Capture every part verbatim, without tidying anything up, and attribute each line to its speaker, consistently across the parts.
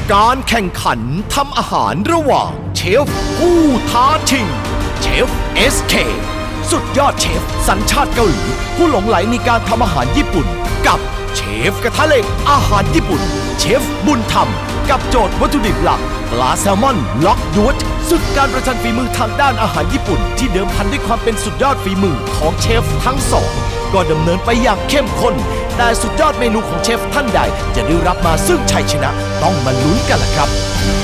Speaker 1: การแข่งขันทำอาหารระหว่างเชฟผู้ท้าชิงเชฟ เอส เค สุดยอดเชฟสัญชาติเกาหลีผู้หลงไหลในการทำอาหารญี่ปุ่นกับเชฟกระทะเหล็กอาหารญี่ปุ่นเชฟบุญธรรมกับโจทย์วัตถุดิบหลักปลาแซลมอนล็อกยวดสุดการประชันฝีมือทางด้านอาหารญี่ปุ่นที่เดิมพันด้วยความเป็นสุดยอดฝีมือของเชฟทั้งสองก็ดำเนินไปอย่างเข้มข้นแต่สุดยอดเมนูของเชฟท่านใดจะได้รับมาซึ่งชัยชนะต้องมาลุ้นกันล่ะครับ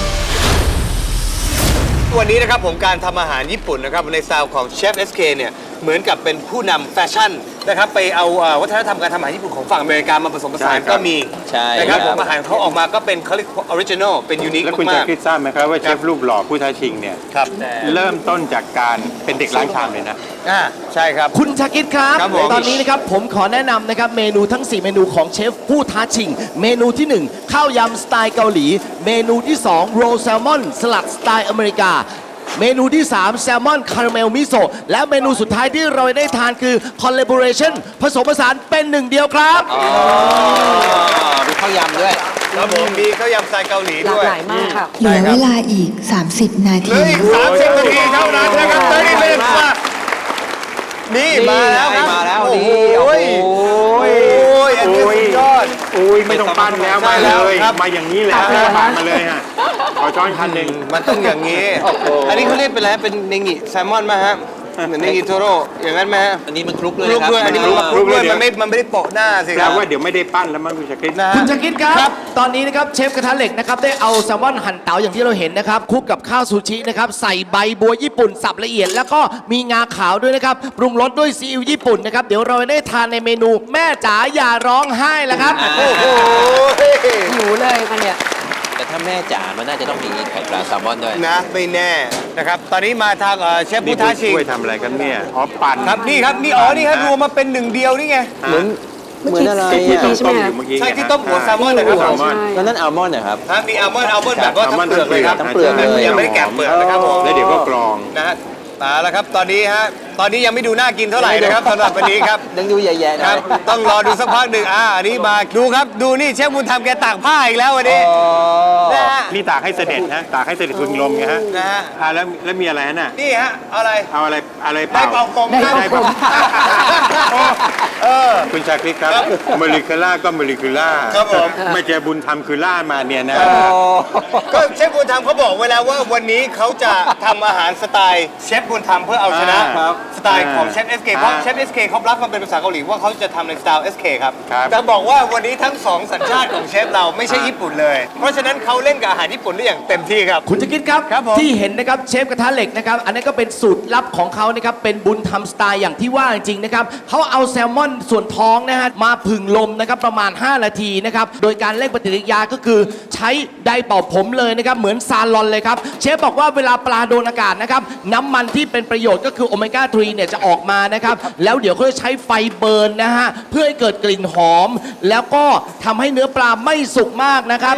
Speaker 2: วันนี้นะครับผมการทำอาหารญี่ปุ่นนะครับในสไตล์ของเชฟ เอส เค เนี่ยเหมือนกับเป็นผู้นำแฟชั่นนะครับไปเอาวัฒนธรรมการทำอาหารญี่ปุ่นของฝั่งอเมริกามาผสมผสานก็มีนะครับผมอาหารเขาออกมาก็เป็นเขาเรียกออริจินอลเป็นยูนิคมากๆแล้ว
Speaker 3: คุณจะคิดทราบไหมครับว่าเชฟรูปหล่อผู้ท้าชิงเนี่ยเริ่มต้นจากการเป็นเด็กล้างชามเลยนะ
Speaker 2: อ่าใช่ครับ
Speaker 1: คุณชาคิดครับตอนนี้นะครับผมขอแนะนำนะครับเมนูทั้งสี่เมนูของเชฟผู้ท้าชิงเมนูที่หนึ่งข้าวยำสไตล์เกาหลีเมนูที่สองโรลแซลมอนสลัดสไตล์อเมริกาเมนูที่สามแซลมอนคาราเมลมิโซะและเมนูสุดท้ายที่เราได้ทานคือคอลลาบอเรชั่นผสมผสานเป็นหนึ่งเดียวครับ
Speaker 2: มีข้าวยำด้วยครับผมมีข้าวยำสไตล์เกาหลีด้วย
Speaker 4: หลากหลายมากค่ะ
Speaker 5: เหลือเวลาอีกสามสิบนาที
Speaker 2: เหลืออีกสามสิบนาทีเท่านั้นนะครับตอนนี้เป็นมานี่มาแล้วครับ
Speaker 6: มาแล้วนี่
Speaker 2: โอ้ยโอ้ยอันนี้สุดยอด
Speaker 3: โอ้ยไม่ต้องปั้นแล้วมาเลยมาอย่างนี้แล้วมามาเลยฮะขอช้อนคันหนึ่ง
Speaker 2: มันต้องอย่างนี้อันนี้เขาเรียกเป็นอะไรเป็นเนงิแซลมอนไหมฮะเหมือนเนงิโทโร่อย่างนั้นไหมฮะ
Speaker 6: อันนี้มันคลุกเลย
Speaker 2: คลุกด้วยอันนี้มันคลุกด้วยมันไม่มันไม่ได้โปะหน้าสิครับ
Speaker 3: ว่าเดี๋ยวไม่ได้ปั้นแล้วมั้งคุณชาคิด
Speaker 1: นะคุณชาคิดครับตอนนี้นะครับเชฟกระทะเหล็กนะครับได้เอาแซลมอนหั่นเต๋าอย่างที่เราเห็นนะครับคลุกกับข้าวซูชินะครับใส่ใบบัวญี่ปุ่นสับละเอียดแล้วก็มีงาขาวด้วยนะครับปรุงรสด้วยซีอิ๊วญี่ปุ่นนะครับเดี๋ยวเราได้ทานในเมนูแม่จ๋าอย่าร้องไห้แล้วครับ
Speaker 2: โอ้โห
Speaker 4: หิวเลยค่ะเนี่ย
Speaker 6: แต่ถ้าแม่จ๋ามันน่าจะต้องมีไข่ปลาแซลมอนด้วย
Speaker 2: นะไม่แน่นะครับตอนนี้มาทางเชฟผู้ท้าชิง
Speaker 3: ช่วยทำอะไรกันเนี่ยอ๋อปั่น
Speaker 2: ครับนี่ครับนี่อ๋อนี่ครับรวมมาเป็นหนึ่งเดียวนี่ไง
Speaker 6: เหมือนเหมือนอะไร
Speaker 3: ใช่ไหม
Speaker 2: ใช่ที่ต้มหัวแซลมอนนะครับ
Speaker 6: แล้วนั่นอัลมอนด์นะครับ
Speaker 2: มีอัลมอนด์อัลมอนด์แบบว่าทั้งเปลือกเลยครับ
Speaker 6: ทั้งเปลือกเลย
Speaker 2: ยังไม่ได้แกะเปลือกนะครับผม
Speaker 3: แล้วเดี๋ยวก็กรอง
Speaker 2: นะฮะมาแล้วครับตอนนี้ฮะตอนนี้ยังไม่ดูน่ากินเท่าไหร่นะครับสำหรับวันนี้ครับ
Speaker 6: ยังดูแย่ๆ
Speaker 2: นะครับต้องรอดูสักพักหนึ่งอ่าอันนี้มาดูครับดูนี่เชฟบุญธรรมแกตากผ้าอีกแล้ววันนี้
Speaker 3: นะฮะนี่ตากให้เสด็จนะตากให้เสด็จพึงลมไงฮะ
Speaker 2: นะฮะ
Speaker 3: อ่าแล้วแล้วมีอะไรฮะน่ะ
Speaker 2: นี่ฮะอะไร
Speaker 3: เอาอะไรอะไร
Speaker 2: เป่าได้เป่ากลม
Speaker 3: ได้เป่าเออคุณชาคริสครับโมเลกุล่าก็โมเลกุล่า
Speaker 2: ครับผม
Speaker 3: ไม่เจอบุญธรรมคือล่ามาเนี่ยนะ
Speaker 2: ก็เชฟบุญธรรมเขาบอกไว้แล้วว่าวันนี้เขาจะทำอาหารสไตล์เชฟบุญธรรมเพื่อเอาชนะสไตล์ของเชฟ เอส เค เพราะเชฟ เอส เค เขารับมาเป็นภาษาเกาหลีว่าเขาจะทำในสไตล์ เอส เค ครับแต่บอกว่าวันนี้ทั้งสองสัญชาติของเชฟเราไม่ใช่ญี่ปุ่นเลยเพราะฉะนั้นเขาเล่นกับอาหารญี่ปุ่นได้อย่างเต็มที่ครับ
Speaker 1: คุณจะคิดครับที่เห็นนะครับเชฟกระทะเหล็กนะครับอันนี้ก็เป็นสูตรลับของเขานะครับเป็นบุญธรรมสไตล์อย่างที่ว่าจริงๆนะครับเขาเอาแซลมอนส่วนท้องนะฮะมาผึ่งลมนะครับประมาณห้านาทีนะครับโดยการเร่งปฏิกิริยาก็คือใช้ไดร์เป่าผมเลยนะครับเหมือนซาลอนเลยครับเชฟบอกว่าเวลาปลาโดนอากาศนะครับน้ำมันที่เป็นประโยชน์ก็คือโอเมก้าสามเนี่ยจะออกมานะครับแล้วเดี๋ยวเขาจะใช้ไฟเบิร์นนะฮะเพื่อให้เกิดกลิ่นหอมแล้วก็ทำให้เนื้อปลาไม่สุกมากนะครับ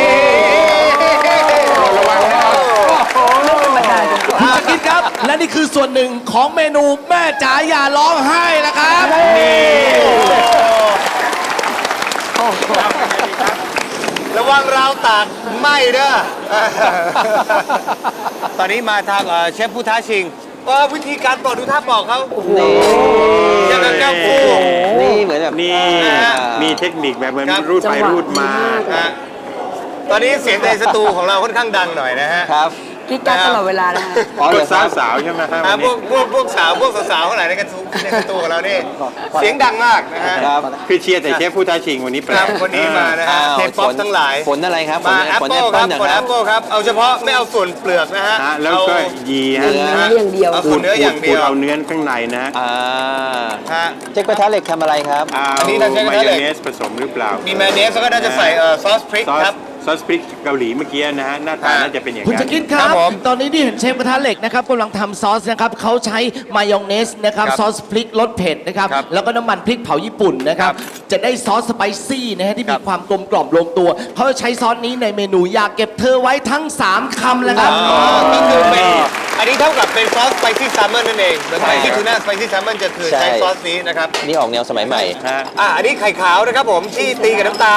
Speaker 1: คุณจะคิดครับและนี่คือส่วนหนึ่งของเมนูแม่จ๋าอย่าร้องไห้นะครับ
Speaker 2: ระวังราวตากไหม้เด้อตอนนี้มาทางเชฟผู้ท้าชิงว่าวิธีการปอกดูท่าปอกเขา
Speaker 6: นี่
Speaker 2: ยังแก้วฟู
Speaker 6: นี่เหมือนแบบ
Speaker 3: นี่มีเทคนิคแบบเหมือนรูดไปรูดมา
Speaker 2: ตอนนี้เสียงในสตูของเราค่อนข้างดังหน่อยนะฮะ
Speaker 6: ครับ
Speaker 4: คิดกันตลอดเวลานะฮะ
Speaker 3: พวกสาวสาวใช่ไหมครับ
Speaker 2: พวกพวกพวกสาวพวกสาวๆเท่าไหร่ในกระทูในกระตูของเรานี่เสียงดังมากนะฮะ
Speaker 3: คือเชียร์แต่เชฟผู้ท้าชิงวันนี้แปลก
Speaker 2: วันนี้มานะฮะเทปป๊อปทั้งหลาย
Speaker 6: ฝนอะไรครับ
Speaker 2: มาแอปเปิลครับฝนแอปเปิลครับเอาเฉพาะไม่เอาส่วนเปลือกนะฮะ
Speaker 3: แล้วก็ยีฮะ
Speaker 4: เนื้ออย่างเดียว
Speaker 2: เอาเนื้ออย่างเดียว
Speaker 3: เอาเนื้อข้างในนะ
Speaker 6: อ่า
Speaker 2: ฮะ
Speaker 6: เจ๊กระทะเหล็กทำอะไรครับ
Speaker 3: อันนี้เราใช้มายองเนสผสมหรือเปล่า
Speaker 2: มีมายองเนสแล้วก็น่าจะใส่ซอสพริกครับ
Speaker 3: ซอสพริกเกาหลีเมื่อกี้นะฮะหน้าตาน่าจะเป็นอย่าง
Speaker 1: นั้นคุณจะคิดครับตอนนี้ที่เห็นเชฟกระทะเหล็กนะครับกำลังทำซอสนะครับเขาใช้มายองเนสนะครับซอสพริกรสเผ็ดนะครับแล้วก็น้ำมันพริกเผาญี่ปุ่นนะครับจะได้ซอสสไปซี่นะฮะที่มีความกลมกล่อมลงตัวเขาจะใช้ซอสนี้ในเมนูอยากเก็บเธอไว้ทั้งสามคำแล้วครับ
Speaker 2: ก็คือเป็นอันนี้เท่ากับเป็นซอสสไปซี่แซลมอนนั่นเองเหมือนไปที่ทูน่าสไปซี่แซลมอนจะคือใช้ซอสนี้นะครับ
Speaker 6: นี่ออกแนวสมัยใหม่
Speaker 2: อ่าอันนี้ไข่ขาวนะครับผมที่ตีกับน้ำตาล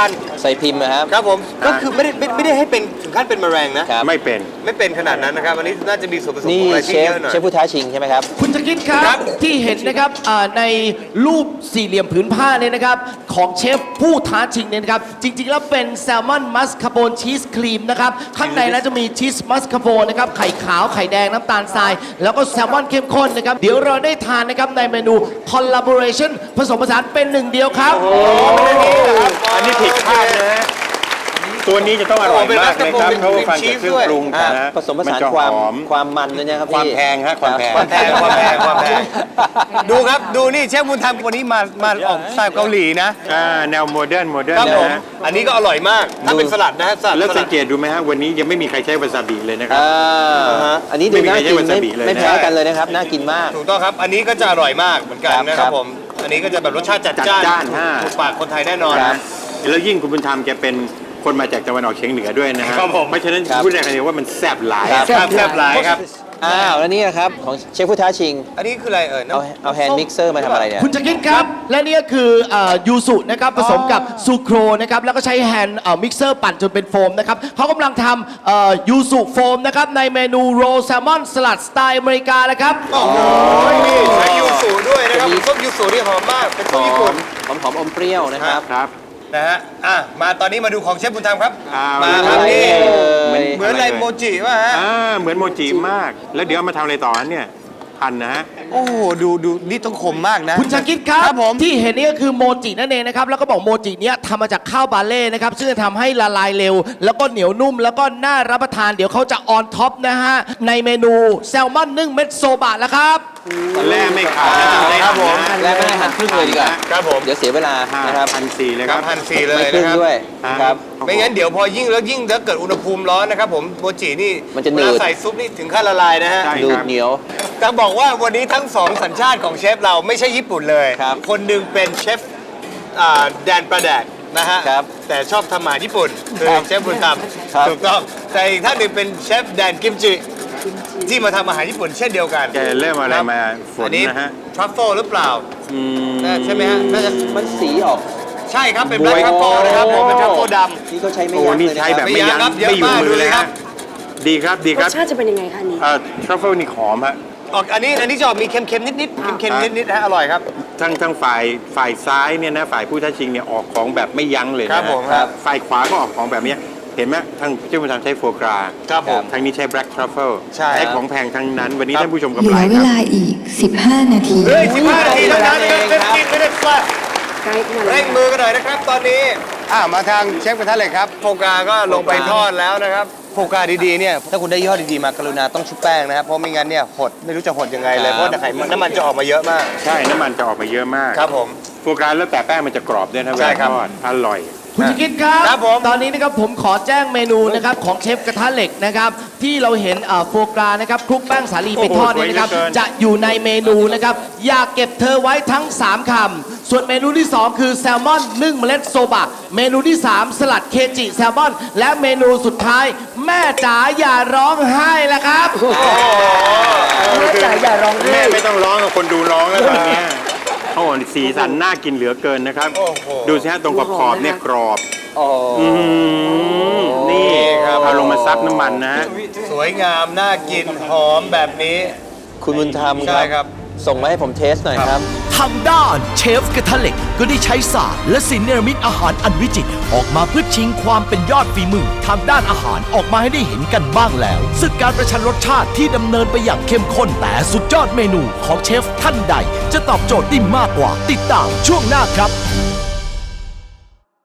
Speaker 6: ใส่พิมพ์นะครับ
Speaker 2: ครับผมก็คือไม่ได้ไม่ไม่ได้ให้เป็นถึงขั้นเป็นแมลงนะ
Speaker 6: ครับ
Speaker 3: ไม่เป็น
Speaker 2: ไม่เป็นขนาดนั้นนะครับอันนี้น่าจะมีส่วนผสม
Speaker 6: นี่
Speaker 2: ของอะไร
Speaker 6: เช
Speaker 2: ที่
Speaker 6: ฟ
Speaker 2: เยอะหน่อย
Speaker 6: เชฟผู้ท้าชิงใช่ไหมครับ
Speaker 1: คุณจะคิดครับ
Speaker 2: ครับ
Speaker 1: ที่เห็นนะครับอ่าในรูปสี่เหลี่ยมผืนผ้าเนี่ยนะครับของเชฟผู้ท้าชิงเนี่ยนะครับจริงๆแล้วเป็นแซลมอนมัสคาโปนชีสครีมนะครับข้างในนั้นจะมีชีสมัสคาโปนนะครับไข่ขาวไข่แดงน้ำตาลทราย แล้วก็แซลมอนเข้มข้นนะครับเดี๋ยวเราได้ทานนะครับในเมนู collaboration ผสมผสานเป็นหนึ่งเดียวครับ
Speaker 3: อันนี้ผิดคาดนะฮะตัวนี้จะต้องอร่อยมากนะครับเพราะว่าฟังจากเครื่องปรุง
Speaker 6: อ่า
Speaker 3: นะ
Speaker 6: ผสมผสาน
Speaker 3: จะ
Speaker 6: ความ
Speaker 3: หอม
Speaker 6: ความมันด้วยนะครับ
Speaker 3: ความ
Speaker 6: พี่
Speaker 3: แพงฮะความแพง
Speaker 2: ความแพงความแพงความแพงดูครับดูนี่เชฟบุญธรรมวันนี้มามาออกสไตล์เกาหลีนะ
Speaker 3: อ่าแนวโมเดิร์นโมเดิร์น
Speaker 2: ครับ
Speaker 3: นะ
Speaker 2: ผม
Speaker 3: ฮะ
Speaker 2: อันนี้ก็อร่อยมากถ้าเป็นสลัดนะฮะสลัด
Speaker 3: แล้ว
Speaker 2: ส
Speaker 3: สั
Speaker 2: ลั
Speaker 3: ง
Speaker 2: ด
Speaker 3: เกตดูไหมฮะวันนี้ยังไม่มีใครใช้วาซาบิเลยนะครับ
Speaker 6: อ่า
Speaker 2: ฮะ
Speaker 6: อันนี้ดู
Speaker 3: ไม่มี
Speaker 6: น่า
Speaker 3: ใคร
Speaker 6: กิน
Speaker 3: ใช้วาซา
Speaker 6: ไม่
Speaker 3: บิเลยนะ
Speaker 6: ไม่แพ้กันเลยนะครับ น่ากินมาก
Speaker 2: ถูกต้องครับ อันนี้ก็จะอร่อยมากเหมือนกันนะค
Speaker 6: ครั
Speaker 2: รับบ ผม อันนี้ก็จะแบบรสชาติจัด
Speaker 3: จัด
Speaker 2: จ้าน
Speaker 3: จ้านฮะ
Speaker 2: ถูกปากคนไทยแน่นอน
Speaker 6: ครับ
Speaker 3: แล้วยิ่งคุณบุญธรรมแกเป็นคนมาจากตะวันออกเฉียงเหนือด้วยนะฮะ
Speaker 2: ครับผม
Speaker 3: เพราะฉะนั้น
Speaker 6: ครับ
Speaker 3: พูดได้คำเดียวว่ามันแซ่บหลาย
Speaker 6: ครับ
Speaker 2: แซ่บแซ่บหลายครับ
Speaker 6: อ้าวแล้วนี่นะครับของเชฟผู้ท้าชิง
Speaker 2: อันนี้คืออะไรเอ่ย
Speaker 6: เอาเอาแฮนด์มิกเซอร์มาทำอะไรเนี่ย
Speaker 1: คุณจะคิดครับ และนี่ก็คือเอ่อยูสุนะครับผสมกับซูโครนะครับแล้วก็ใช้แฮนด์เอ่อมิกเซอร์ปั่นจนเป็นโฟมนะครับเขากำลังทำเอ่อยูสุโฟมนะครับในเมนูโรลแซลมอนสลัดสไตล์อเมริกานะครับ
Speaker 2: โอ้โหนี่ใช้ยูสุด้วยนะครับส้มยูสุนี่หอมมากเป็น
Speaker 6: ห
Speaker 2: ส้ม
Speaker 6: อ
Speaker 2: ญี่ปุ่น
Speaker 6: มหอมหอมอมเปรี้ยวนะครับ
Speaker 3: ครับ
Speaker 2: นะฮะอ่ะมาตอนนี้มาดูของเชฟบุญธรรมครับ
Speaker 3: อ่า
Speaker 2: มา
Speaker 3: มา
Speaker 2: ครับ
Speaker 6: อะไร
Speaker 2: นี่
Speaker 6: เอ่ย
Speaker 2: เหมือนอะไรโมจิว่ะฮะ
Speaker 3: อ่าเหมือนโมจิมาก แล้วเดี๋ยวเอามาทำอะไรต่อฮะเนี่ยหั่นนะฮะ
Speaker 2: โอ้โหดูดูนี่ต้องคมมากนะ
Speaker 1: คุณชาคิดครับ
Speaker 2: ครับผม
Speaker 1: ที่เห็นนี่ก็คือโมจินั่นเองนะครับแล้วก็บอกโมจิเนี้ยทำมาจากข้าวบาเล่นะครับซึ่งจะทำให้ละลายเร็ว แล้วก็เหนียวนุ่ม แล้วก็น่ารับประทานเดี๋ยวเขาจะออนท็อปนะฮะในเมนูแซลมอนนึ่งเม็ดโซบะแล้วครับ
Speaker 3: แร่ไม่ขาดนะทำได้
Speaker 2: ครับผม
Speaker 3: นะ
Speaker 6: แล้วไม่ให้หั่นครึ่งเลยดีกว่า
Speaker 2: ครับผม
Speaker 6: เดี๋ยวเสียเวลา
Speaker 3: นะ
Speaker 6: นะ
Speaker 3: ค
Speaker 6: ค
Speaker 3: รั
Speaker 6: รั
Speaker 3: บบ พันสี่เลย
Speaker 2: ค
Speaker 3: ค
Speaker 2: รั
Speaker 3: รั
Speaker 2: บบ พันสี่เลย
Speaker 6: ไม่ครึ่
Speaker 2: นะ
Speaker 6: ง
Speaker 2: ครับ
Speaker 6: ด้วย
Speaker 3: อ่า
Speaker 6: ครับ
Speaker 2: ไม่งั้นเดี๋ยวพอยิ่งแล้วยิ่งถ้าเกิดอุณหภูมิร้อนนะครับผมโมจินี่
Speaker 6: มันจะหนืด
Speaker 2: เวลาใส่ซุปนี่ถึงขั้นละลายนะฮะ
Speaker 3: ใช่
Speaker 6: ดูดเหนียว
Speaker 2: จะบอกว่าวันนี้ทั้งสองสัญชาติของเชฟเราไม่ใช่ญี่ปุ่นเลย
Speaker 6: ครับ
Speaker 2: คนหนึ่งเป็นเชฟอ่าแดนประแดกนะฮะ
Speaker 6: ครับ
Speaker 2: แต่ชอบทำอาหารญี่ปุ่นคือ
Speaker 6: ครับ
Speaker 2: เชฟบุญธรรม
Speaker 6: ครับ
Speaker 2: ถูกต้องแต่อีกท่านหนึ่งเป็นเชฟแดนกิมจิที่มาทำอาหารญี่ปุ่นเช่นเดียวกัน
Speaker 3: แกเริ่มอะไรมาฝน
Speaker 2: อันนี้
Speaker 3: นะฮะ
Speaker 2: ทรัฟเฟิลหรือเปล่า
Speaker 3: อืม
Speaker 2: น่าใช่ไหมฮะน่าจะ
Speaker 6: มันสีออก
Speaker 2: ใช่ครับเป็นแบล็คทรัฟเฟิลนะครับผมเป็นทรัฟเฟิลดำ
Speaker 6: นี่เขาใช้ไม่
Speaker 3: โอ้
Speaker 6: ยั้ง
Speaker 3: นี่
Speaker 6: เลยนะ
Speaker 3: ใช้
Speaker 6: ค
Speaker 3: แบ
Speaker 6: รั
Speaker 3: บบ ไม่ยั้ง
Speaker 2: ไม่ยั้งครับเยอะ
Speaker 3: ไม่อยู่
Speaker 2: มาก
Speaker 3: มื
Speaker 2: ดู
Speaker 3: อ
Speaker 2: เล
Speaker 3: เลย ย
Speaker 2: ครั
Speaker 3: ฮะ
Speaker 2: บ
Speaker 3: ดีครับดี
Speaker 4: ร
Speaker 3: ครั
Speaker 4: ส
Speaker 3: บ
Speaker 4: ชาติจะเป็นยังไงคะอันนี้
Speaker 3: เอ่อทรัฟเฟิลนี่หอมฮะ
Speaker 2: ออกอันนี้อันนี้จะออกมีเค็มๆนิดๆเค็มๆนิดๆนะฮะอร่อยครับ
Speaker 3: ทั้งทั้งฝ่ายฝ่ายซ้ายเนี่ยนะฝ่ายผู้ท้าชิงเนี่ยออกของแบบไม่ยั้งเลยนะครับ
Speaker 2: ผม
Speaker 3: ครับฝ่ายขวาก็ออกของแบบเนี้ยเห็นไหมทางเจ้าคุณทำใช้โฟกรา
Speaker 2: ครับผม
Speaker 3: ทางนี้ใช้ black truffle
Speaker 2: ใช่ครับ
Speaker 3: ของแพงทั้งนั้น วันนี้
Speaker 2: ครับ
Speaker 3: ท่านผู้ชม
Speaker 5: เห
Speaker 3: กำ
Speaker 5: ลื
Speaker 3: ไร
Speaker 5: อเว
Speaker 3: ครับ
Speaker 5: ลาอีก สิบห้า นาที
Speaker 2: เฮ้ยสิบห้านาทีเท่านั้น
Speaker 6: เอง
Speaker 2: เป็น
Speaker 6: ครับ
Speaker 2: กินไม่ได้ปลา
Speaker 4: ใกล้เข้ามาแล้
Speaker 2: เร่
Speaker 4: ว
Speaker 2: งมือกันหน่อยนะครับ ตอนนี้อ่ามาทางเชฟกระทะเหล็กครับโฟกาก็ลงไปทอดแล้วนะครับโฟกาดีๆเนี่ยถ้าคุณได้ยี่ห้อดีๆมากรุณาต้องชุบแป้งนะครับเพราะไม่งั้นเนี่ยหดไม่รู้จะหดยังไงเลยเพราะไขมันน้ำมันจะออกมาเยอะมาก
Speaker 3: ใช่น้ำมันจะออกมาเยอะมาก
Speaker 2: ครับผม
Speaker 3: โฟกราแล้วแต่แป้งมันจะกรอบด้วยนะเว
Speaker 2: ใช่
Speaker 3: ลา
Speaker 2: ครับ
Speaker 3: ทอดอร่อย
Speaker 1: คุณจะคิดครับ
Speaker 2: ครับผม
Speaker 1: ตอนนี้นะครับผมขอแจ้งเมนูนะครับของเชฟกระทะเหล็กนะครับที่เราเห็นเอ่อโฟกรานะครับคลุกแป้งสาลีไปทอดเนี่ยนะครับ
Speaker 3: โอ้โหสวยเหลือเกิน
Speaker 1: จะอยู่ในเมนูนะครับอยากเก็บเธอไว้ทั้ง สามคำส่วนเมนูที่ สอง คือแซลมอนนึ่งเมล็ดโซบะ เมนูที่ สาม สลัดเคจิแซลมอน และเมนูสุดท้าย แม่จ๋าอย่าร้องไห้ละครับ
Speaker 4: แม่จ๋าอย่าร้องไห้
Speaker 3: แม่ไม่ต้องร้องกับคนดูร้องแล้วตอนเนี้ยโอ้โหสีสันน่ากินเหลือเกินนะครับ
Speaker 2: โอ้โห
Speaker 3: ดูสิฮะตรงขอบขอบๆเนี่ยกรอบ
Speaker 6: โอ้
Speaker 3: อืมนี่
Speaker 2: ครับ
Speaker 3: เอาลงมาซับน้ำมันนะฮะ
Speaker 2: สวยงามน่ากินหอมแบบนี้
Speaker 6: คุณบุญธรรม
Speaker 2: ใช่ครับ
Speaker 6: ส่งมาให้ผมเทสหน่อยครับ
Speaker 1: ทางด้านเชฟกระทะเหล็กก็ได้ใช้ศาสตร์และศิลป์เนรมิตอาหารอันวิจิตรออกมาเพื่อชิงความเป็นยอดฝีมือทางด้านอาหารออกมาให้ได้เห็นกันบ้างแล้วซึ่งการประชันรสชาติที่ดำเนินไปอย่างเข้มข้นแต่สุดยอดเมนูของเชฟท่านใด จะตอบโจทย์ได้มากกว่าติดตามช่วงหน้าครับ